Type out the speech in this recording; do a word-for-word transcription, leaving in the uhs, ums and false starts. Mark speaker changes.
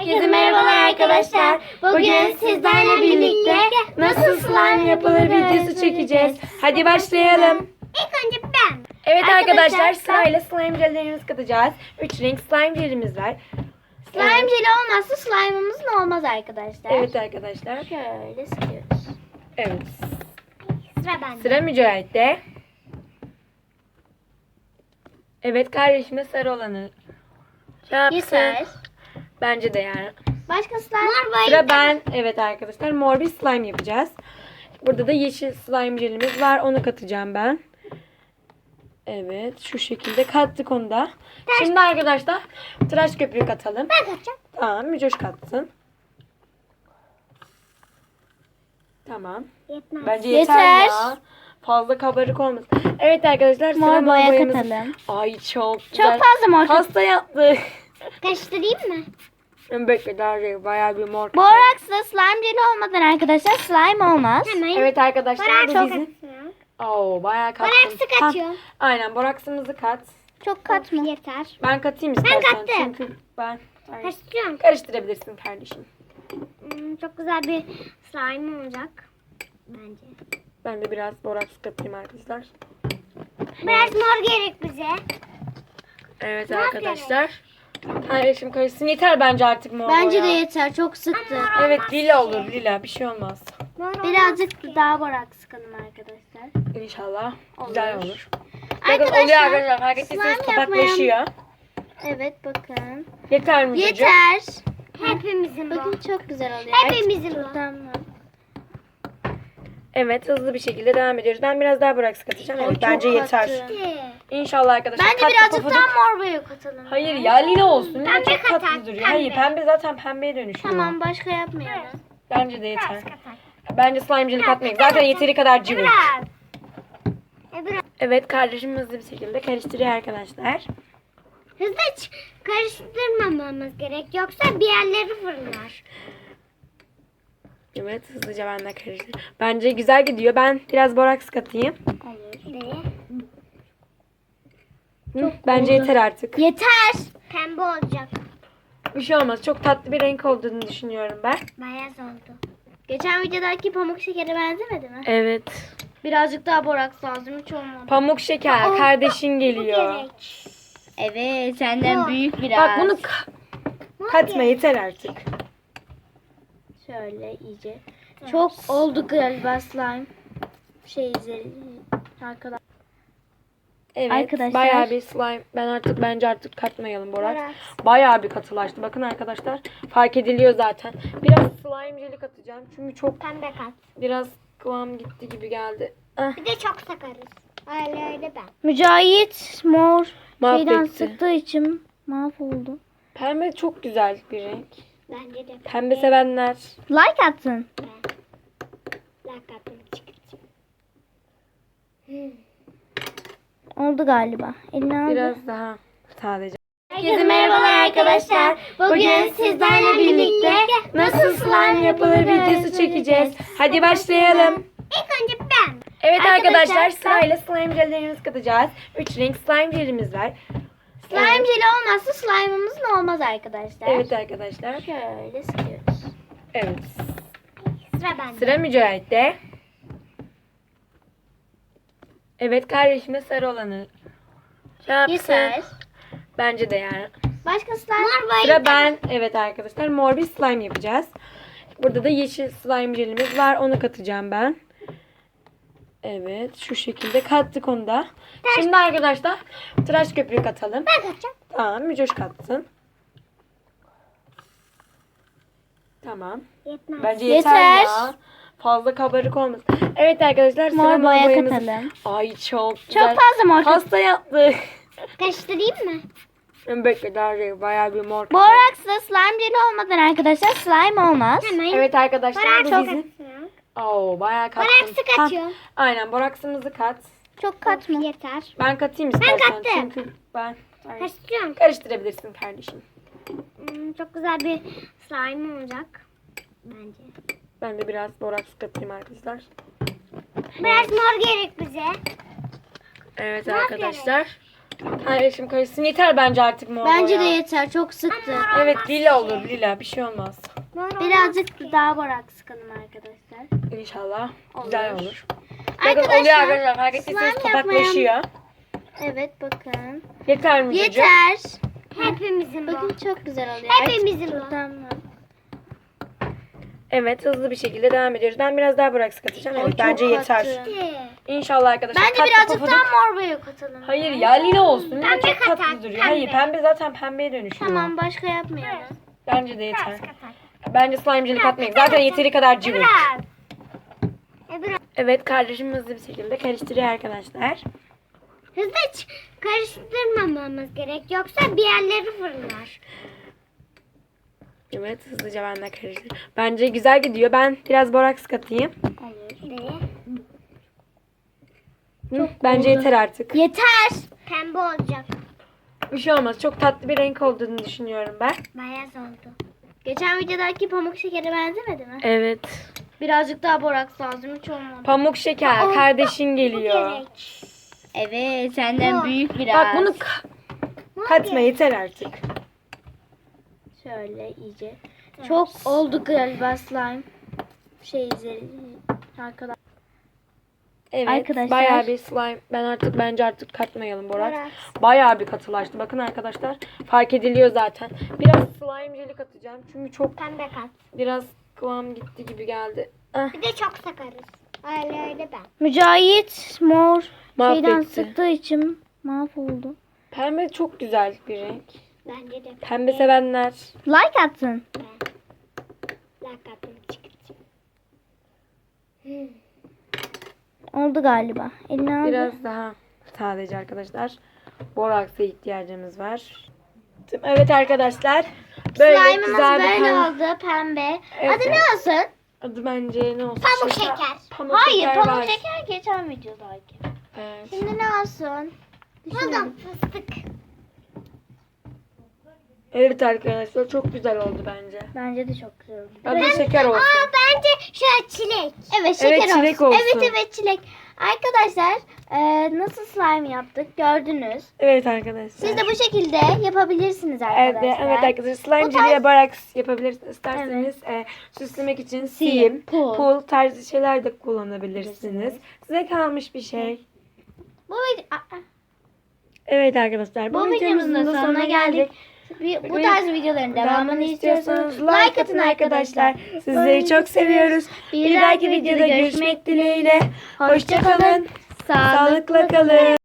Speaker 1: Herkese merhabalar arkadaşlar. Bugün sizlerle birlikte nasıl slime yapılır videosu çekeceğiz. Hadi başlayalım.
Speaker 2: İlk önce ben.
Speaker 1: Evet arkadaşlar,
Speaker 2: Arkadaşlar,
Speaker 1: sırayla slime jellerimizi katacağız. üç renk slime jelimiz var.
Speaker 2: Slime
Speaker 1: Evet.
Speaker 2: jeli olmazsa slime'ımız ne olmaz arkadaşlar.
Speaker 1: Evet arkadaşlar.
Speaker 2: Şöyle sıkıyoruz.
Speaker 1: Evet.
Speaker 2: Sıra bende.
Speaker 1: Sıra Mücahit'te. Evet, kardeşime sarı olanı şey yapsın.
Speaker 2: Yeter.
Speaker 1: Bence de yani.
Speaker 2: Başka slime? Mor
Speaker 1: Sıra ben. Evet arkadaşlar, mor bir slime yapacağız. Burada da yeşil slime jelimiz var. Onu katacağım ben. Evet, şu şekilde kattık onu da. Şimdi arkadaşlar tıraş köpüğü katalım.
Speaker 2: Ben katacağım.
Speaker 1: Tamam, Mücoş katsın. Tamam.
Speaker 2: Yetmez.
Speaker 1: Bence yeter,
Speaker 2: Yeter.
Speaker 1: ya. Fazla kabarık olmasın. Evet arkadaşlar, sıra
Speaker 2: Mor boya
Speaker 1: boyamız.
Speaker 2: katalım.
Speaker 1: Ay çok güzel.
Speaker 2: Çok fazla mor kat-
Speaker 1: Hasta yaptı.
Speaker 2: Karıştırayım mı?
Speaker 1: Bekle, daha şey, bayağı bir mor.
Speaker 2: Boraksla slime jeli olmadan arkadaşlar slime olmaz. Hemen.
Speaker 1: Evet arkadaşlar, bu
Speaker 2: Boraks
Speaker 1: bizim.
Speaker 2: katıyor.
Speaker 1: Oo, bayağı kattım.
Speaker 2: Boraksı
Speaker 1: Ha,
Speaker 2: katıyorum.
Speaker 1: aynen, boraksımızı kat.
Speaker 2: Çok katma. Yeter.
Speaker 1: Ben katayım istersen.
Speaker 2: kattım.
Speaker 1: Çünkü ben Ay,
Speaker 2: Karıştırıyorum.
Speaker 1: karıştırabilirsin kardeşim.
Speaker 2: Hmm, çok güzel bir slime olacak. Bence.
Speaker 1: Ben de biraz boraks katayım arkadaşlar.
Speaker 2: Biraz mor gerek bize.
Speaker 1: Evet
Speaker 2: Mor
Speaker 1: arkadaşlar. Kardeşim karışsın. Yeter bence artık mor
Speaker 2: Bence
Speaker 1: boya.
Speaker 2: de yeter. Çok sıktı.
Speaker 1: Evet, lila olur, lila. Bir şey olmaz.
Speaker 2: Birazcık daha borak sıkalım arkadaşlar.
Speaker 1: İnşallah güzel
Speaker 2: Olur.
Speaker 1: olur. Bakın
Speaker 2: Arkadaşlar,
Speaker 1: oluyor arkadaşlar. Fark ettiyseniz
Speaker 2: slime
Speaker 1: topaklaşıyor.
Speaker 2: Evet bakın.
Speaker 1: Yeter mi çocuğum?
Speaker 2: Yeter. Hepimizin bakın çok güzel oluyor.
Speaker 1: Hepimizin
Speaker 2: bu. Tamam.
Speaker 1: Evet, hızlı bir şekilde devam ediyoruz. Ben biraz daha boraks katacağım. Evet,
Speaker 2: Çok
Speaker 1: bence yeter.
Speaker 2: katı.
Speaker 1: İnşallah arkadaşlar.
Speaker 2: Bence
Speaker 1: Tatlı
Speaker 2: birazcık
Speaker 1: pofuduk-
Speaker 2: daha mor boya katalım.
Speaker 1: Hayır ya, lila olsun. Lila
Speaker 2: Pembe
Speaker 1: çok tatlı
Speaker 2: katar,
Speaker 1: duruyor.
Speaker 2: pembe.
Speaker 1: Hayır, pembe zaten pembeye dönüşüyor.
Speaker 2: Tamam başka yapmayalım.
Speaker 1: Bence de yeter. Bence slime jeli katmayın. Zaten yeteri kadar cıvık.
Speaker 2: Biraz. E, biraz.
Speaker 1: Evet, kardeşim hızlı bir şekilde karıştırıyor arkadaşlar.
Speaker 2: Hızlı ç- karıştırmamamız gerek. Yoksa bir yerleri fırlar.
Speaker 1: Evet, hızlıca ben de karıştırıyorum. Bence güzel gidiyor. Ben biraz boraks katayım.
Speaker 2: Olur.
Speaker 1: Hı, bence
Speaker 2: oldu.
Speaker 1: yeter artık.
Speaker 2: Yeter. Pembe olacak.
Speaker 1: Bir şey olmaz. Çok tatlı bir renk olduğunu düşünüyorum ben.
Speaker 2: Beyaz oldu. Geçen videodaki pamuk şekere benzemedi mi?
Speaker 1: Evet.
Speaker 2: Birazcık daha boraks lazım. Hiç olmadı.
Speaker 1: Pamuk şeker.
Speaker 2: Aa,
Speaker 1: Kardeşin geliyor.
Speaker 2: Gerek. Evet senden
Speaker 1: Mor.
Speaker 2: büyük biraz.
Speaker 1: Bak bunu ka- katma, yeter artık.
Speaker 2: Şöyle iyice. Çok oldu galiba slime. Şey izleyelim. Arkadaşlar.
Speaker 1: Evet.
Speaker 2: Arkadaşlar.
Speaker 1: Bayağı bir slime. Ben artık bence artık katmayalım boraks.
Speaker 2: Boraks.
Speaker 1: Bayağı bir katılaştı. Bakın arkadaşlar. Fark ediliyor zaten. Biraz slime jeli katacağım. Çünkü çok
Speaker 2: Pembe kat.
Speaker 1: biraz kıvam gitti gibi geldi. Ah,
Speaker 2: Bir de çok sakarız. Öyle öyle ben. Mücahit mor şeyden
Speaker 1: mahvetti.
Speaker 2: sıktığı için mahvoldu.
Speaker 1: Pembe çok güzel bir renk.
Speaker 2: Bence de.
Speaker 1: Pembe sevenler.
Speaker 2: Like atsın. Like attım. Oldu galiba. Eline al.
Speaker 1: Biraz daha sadece.
Speaker 2: Herkese merhabalar arkadaşlar. Bugün sizlerle birlikte nasıl slime yapılır videosu çekeceğiz.
Speaker 1: Hadi başlayalım.
Speaker 2: İlk önce ben.
Speaker 1: Evet arkadaşlar,
Speaker 2: Arkadaşlar,
Speaker 1: sırayla slime jellerimizi katacağız. üç renk slime jelimiz var.
Speaker 2: Slime
Speaker 1: Evet.
Speaker 2: jeli olmazsa slime'ımız ne olmaz arkadaşlar.
Speaker 1: Evet arkadaşlar.
Speaker 2: Şöyle sıkıyoruz.
Speaker 1: Evet.
Speaker 2: Sıra bende.
Speaker 1: Sıra Mücahit'te. Evet, kardeşime sarı olanı şey yapsın.
Speaker 2: Yeter.
Speaker 1: Bence de yani.
Speaker 2: Başka slime? Mor boya.
Speaker 1: Sıra ben. Evet arkadaşlar, mor bir slime yapacağız. Burada da yeşil slime jelimiz var. Onu katacağım ben. Evet, şu şekilde kattık onu da. Şimdi arkadaşlar tıraş köpüğü katalım.
Speaker 2: Ben katacağım.
Speaker 1: Tamam, Mücoş katsın. Tamam.
Speaker 2: Yetmez.
Speaker 1: Bence yeter,
Speaker 2: Yeter.
Speaker 1: ya. Fazla kabarık olmasın. Evet arkadaşlar, sıra
Speaker 2: Mor boya
Speaker 1: boyamız.
Speaker 2: katalım.
Speaker 1: Ay çok
Speaker 2: Çok
Speaker 1: güzel.
Speaker 2: fazla mor.
Speaker 1: Hasta yaptı.
Speaker 2: Karıştırayım mı?
Speaker 1: Bekle, daha şey, bayağı bir mor.
Speaker 2: Boraksla slime jeli olmadan arkadaşlar slime olmaz. Hemen.
Speaker 1: Evet arkadaşlar, bu
Speaker 2: Boraks
Speaker 1: bizim. Oo, bayağı kattım.
Speaker 2: Boraksı katıyorum.
Speaker 1: Ha, aynen, boraksımızı kat.
Speaker 2: Çok katma. Yeter.
Speaker 1: Ben katayım istersen.
Speaker 2: kattım.
Speaker 1: Çünkü ben Ay,
Speaker 2: Karıştırıyorum.
Speaker 1: karıştırabilirsin kardeşim.
Speaker 2: Hmm, çok güzel bir slime olacak. Bence.
Speaker 1: Ben de biraz boraks katayım arkadaşlar.
Speaker 2: Biraz mor gerek bize.
Speaker 1: Evet
Speaker 2: Mor
Speaker 1: arkadaşlar. Kardeşim karışsın. Yeter bence artık mor
Speaker 2: Bence de
Speaker 1: boya.
Speaker 2: yeter. Çok sıktı.
Speaker 1: Evet lila olur lila. Bir şey olmaz.
Speaker 2: Birazcık daha borak sıkalım arkadaşlar.
Speaker 1: İnşallah. Güzel
Speaker 2: Olur.
Speaker 1: olur. Bakın
Speaker 2: Arkadaşlar,
Speaker 1: oluyor arkadaşlar. Fark ettiyseniz
Speaker 2: slime
Speaker 1: topaklaşıyor.
Speaker 2: Evet bakın.
Speaker 1: Yeter mi çocuğum?
Speaker 2: Yeter.
Speaker 3: Hepimizin bu.
Speaker 2: Bakın çok güzel oluyor.
Speaker 3: Hepimizin bu.
Speaker 2: Tamam.
Speaker 1: Evet hızlı bir şekilde devam ediyoruz. Ben biraz daha borak katacağım. Evet
Speaker 2: Ay, çok
Speaker 1: bence yeter.
Speaker 2: katı.
Speaker 1: İnşallah arkadaşlar.
Speaker 2: Bence
Speaker 1: Tatlı
Speaker 2: birazcık
Speaker 1: pofuduk-
Speaker 2: daha mor boya katalım.
Speaker 1: Hayır ya lila olsun. Lila
Speaker 3: Pembe
Speaker 1: çok tatlı
Speaker 3: katar,
Speaker 1: duruyor.
Speaker 3: pembe.
Speaker 1: Hayır pembe zaten pembeye dönüşüyor.
Speaker 2: Tamam başka yapmayalım.
Speaker 1: Bence de yeter. Bence slime jeli katmayın. Zaten yeteri kadar cıvık.
Speaker 3: Biraz. E, biraz.
Speaker 1: Evet kardeşim hızlı bir şekilde karıştırıyor arkadaşlar.
Speaker 3: Hızlı ç- karıştırmamamız gerek. Yoksa bir yerleri fırlar.
Speaker 1: Evet hızlıca ben de karıştırıyorum. Bence güzel gidiyor. Ben biraz boraks katayım.
Speaker 3: Nereye?
Speaker 1: Hı, bence
Speaker 2: oldu.
Speaker 1: yeter artık.
Speaker 2: Yeter.
Speaker 3: Pembe olacak.
Speaker 1: Bir şey olmaz. Çok tatlı bir renk olduğunu düşünüyorum ben.
Speaker 3: Beyaz oldu.
Speaker 2: Geçen videodaki pamuk şekere benzemedi mi?
Speaker 1: Evet.
Speaker 2: Birazcık daha boraks lazım. Hiç olmadı.
Speaker 1: Pamuk şeker.
Speaker 3: Aa,
Speaker 1: Kardeşin
Speaker 3: Bu
Speaker 1: geliyor.
Speaker 3: gerek.
Speaker 2: Evet senden
Speaker 3: Bu.
Speaker 2: büyük biraz.
Speaker 1: Bak bunu ka- katma yeter artık.
Speaker 2: Şöyle iyice. Çok oldu galiba slime. Şey izleri. Arkadaşlar.
Speaker 1: Evet.
Speaker 2: Arkadaşlar.
Speaker 1: Bayağı bir slime. Ben artık bence artık katmayalım boraks.
Speaker 3: Boraks.
Speaker 1: Bayağı bir katılaştı. Bakın arkadaşlar. Fark ediliyor zaten. Biraz slime jeli katacağım. Çünkü çok
Speaker 3: Pembe kat.
Speaker 1: biraz kıvam gitti gibi geldi. Ah,
Speaker 3: Bir de çok sakarız. Öyle öyle ben.
Speaker 2: Mücahit mor şeyden
Speaker 1: mahvetti.
Speaker 2: sıktığı için mahvoldu.
Speaker 1: Pembe çok güzel bir renk.
Speaker 3: Bence de
Speaker 1: Pembe sevenler.
Speaker 2: Like attın.
Speaker 3: Lakatım çıktı.
Speaker 2: Oldu galiba. Eline aldı.
Speaker 1: Biraz daha sadece arkadaşlar. Boraksa ihtiyacımız var. Evet arkadaşlar. Böyle
Speaker 2: Slime'ımız
Speaker 1: güzel bir
Speaker 2: böyle
Speaker 1: pem-
Speaker 2: oldu pembe.
Speaker 1: Evet.
Speaker 2: Adı ne olsun?
Speaker 1: Adı bence ne olsun?
Speaker 3: Pamuk şeker.
Speaker 1: Pamuk
Speaker 2: Hayır
Speaker 1: şeker
Speaker 2: pamuk
Speaker 1: var.
Speaker 2: şeker geçen videodaydı.
Speaker 1: Evet.
Speaker 2: Şimdi ne olsun?
Speaker 3: Buldum fıstık.
Speaker 1: Evet arkadaşlar çok güzel oldu bence.
Speaker 2: Bence de çok güzel oldu.
Speaker 1: Adı şeker olsun.
Speaker 3: Aa bence şöyle çilek.
Speaker 2: Evet şeker
Speaker 1: Evet, çilek
Speaker 2: olsun.
Speaker 1: olsun.
Speaker 2: Evet evet çilek. Arkadaşlar e, nasıl slime yaptık gördünüz.
Speaker 1: Evet arkadaşlar.
Speaker 2: Siz de bu şekilde yapabilirsiniz
Speaker 1: Evet,
Speaker 2: arkadaşlar.
Speaker 1: evet arkadaşlar slime
Speaker 2: Bu
Speaker 1: jeli
Speaker 2: tarz-
Speaker 1: ve boraks yapabilirsiniz. İsterseniz e, süslemek için
Speaker 2: Sim,
Speaker 1: sim,
Speaker 2: pul.
Speaker 1: pul tarzı şeyler de kullanabilirsiniz. Size kalmış bir şey.
Speaker 2: Bu, vid- Aa,
Speaker 1: Evet arkadaşlar bu,
Speaker 2: bu videomuzun da sonuna geldik. Bir- Bu
Speaker 1: Bugün
Speaker 2: tarz videoların devamını istiyorsanız like atın arkadaşlar.
Speaker 1: Sizleri çok seviyoruz. Bir dahaki videoda görüşmek dileğiyle. Hoşça kalın.
Speaker 2: Sağlıklı
Speaker 1: Sağlıkla kalın.